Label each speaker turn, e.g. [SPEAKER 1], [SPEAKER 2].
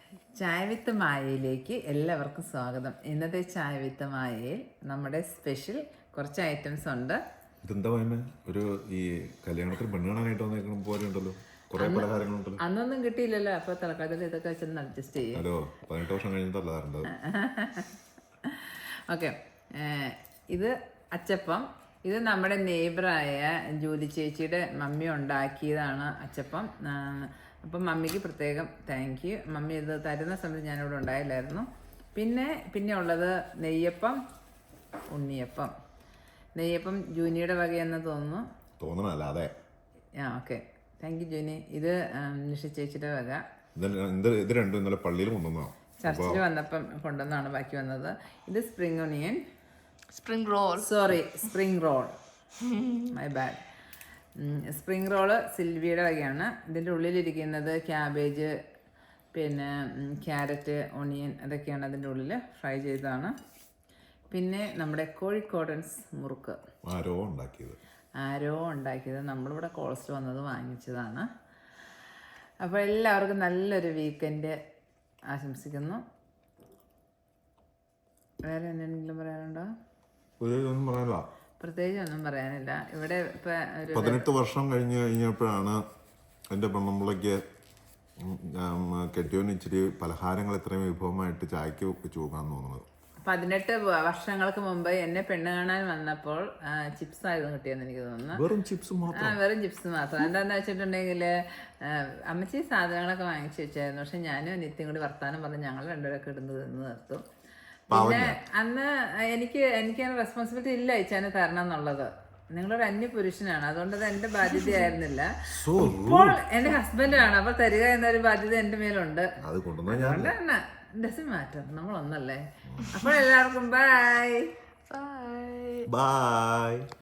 [SPEAKER 1] ചായ വിത്ത് മായയിലേക്ക് എല്ലാവർക്കും സ്വാഗതം. ഇന്നത്തെ ചായ വിത്ത് മായയിൽ നമ്മുടെ സ്പെഷ്യൽ കുറച്ച് ഐറ്റംസ് ഉണ്ട്.
[SPEAKER 2] ഇതെന്താ പറയുന്നത്? ഒരു ഈ കല്യാണത്തിന് പെണ്ണ് കാണാനായിട്ട് വന്നേക്കണം പോലെ ഉണ്ടല്ലോ, കുറെ പലഹാരങ്ങളുണ്ടല്ലോ.
[SPEAKER 1] അന്നൊന്നും കിട്ടിയില്ലല്ലോ, അപ്പൊ തലക്കാലത്തിൽ ഇതൊക്കെ വെച്ചൊന്ന് അഡ്ജസ്റ്റ് ചെയ്യും.
[SPEAKER 2] ഹലോ, 18 വർഷം കഴിഞ്ഞിട്ടല്ല തരേണ്ടത്.
[SPEAKER 1] ഓക്കെ, ഇത് അച്ചപ്പം. ഇത് നമ്മുടെ നെയ്ബറായ ജൂലി ചേച്ചിയുടെ മമ്മി ഉണ്ടാക്കിയതാണ് അച്ചപ്പം. അപ്പം മമ്മിക്ക് പ്രത്യേകം താങ്ക് യു. മമ്മി ഇത് തരുന്ന സമയത്ത് ഞാനിവിടെ ഉണ്ടായില്ലായിരുന്നു. പിന്നെ ഉള്ളത് നെയ്യപ്പം, ഉണ്ണിയപ്പം. നെയ്യപ്പം ജൂനിയുടെ വകയെന്ന്
[SPEAKER 2] തോന്നണല്ല, അതെ.
[SPEAKER 1] Okay, thank you Juni. ഇത് നിഷ ചേച്ചിയുടെ വക.
[SPEAKER 2] ഇത് രണ്ടും ഇന്നലെ പള്ളിയിൽ കൊണ്ടുവന്നോ?
[SPEAKER 1] ചർച്ചിൽ വന്നപ്പം കൊണ്ടുവന്നാണ് ബാക്കി വന്നത്. ഇത് spring onion, spring roll, my bad. Spring roll സിൽവിയുടെ വകയാണ്. ഇതിൻ്റെ ഉള്ളിലിരിക്കുന്നത് ക്യാബേജ്, പിന്നെ ക്യാരറ്റ്, ഒണിയൻ, അതൊക്കെയാണ് അതിൻ്റെ ഉള്ളിൽ ഫ്രൈ ചെയ്തതാണ്. പിന്നെ നമ്മുടെ കോഴിക്കോടൻസ് മുറുക്ക് ആരോ ഉണ്ടാക്കിയത് നമ്മളിവിടെ കോൾസ്റ്റ് വന്നത് വാങ്ങിച്ചതാണ്. അപ്പോൾ എല്ലാവർക്കും നല്ലൊരു വീക്കെൻഡ് ആശംസിക്കുന്നു. വേറെ എന്തെങ്കിലും പറയാനുണ്ടോ? പ്രത്യേകിച്ച് ഒന്നും പറയാനില്ല. ഇവിടെ ഇപ്പൊ
[SPEAKER 2] 18 വർഷം കഴിഞ്ഞപ്പോഴാണ് എൻ്റെ പെണ്ണുമ്പിളയ്ക്ക് കെട്ടിയോന് ഇച്ചിരി പലഹാരങ്ങൾ ഇത്രയും വിഭവമായിട്ട് ചായക്ക് വെച്ച് പോകാന്ന് തോന്നുന്നത്.
[SPEAKER 1] 18 വർഷങ്ങൾക്ക് മുമ്പ് എന്നെ പെണ്ണ് കാണാൻ വന്നപ്പോൾ ചിപ്സ് ആയിരുന്നു കിട്ടിയെന്ന് എനിക്ക് തോന്നുന്നു.
[SPEAKER 2] വെറും ചിപ്സ്
[SPEAKER 1] മാത്രം. എന്താന്ന് വെച്ചിട്ടുണ്ടെങ്കിൽ അമ്മച്ചി സാധനങ്ങളൊക്കെ വാങ്ങിച്ചു വെച്ചായിരുന്നു. പക്ഷെ ഞാനും അനിത്യയും കൂടി വർത്താനം പറഞ്ഞ് ഞങ്ങൾ രണ്ടുപേരൊക്കെ ഇടുന്ന് നിർത്തും. പിന്നെ അന്ന് എനിക്ക് റെസ്പോൺസിബിലിറ്റി ഇല്ല ഇച്ചാനെ തരണം എന്നുള്ളത്. നിങ്ങളൊരു അന്യപുരുഷനാണ്, അതുകൊണ്ട് അത് എന്റെ ബാധ്യതയായിരുന്നില്ല. ഇപ്പോൾ എന്റെ ഹസ്ബൻഡാണ്, അപ്പൊ തരിക എന്നൊരു ബാധ്യത എന്റെ മേലുണ്ട്. അതുകൊണ്ട് തന്നെ ഡസന്റ് മാറ്റർ, നമ്മളൊന്നല്ലേ. അപ്പോൾ എല്ലാവർക്കും ബൈ.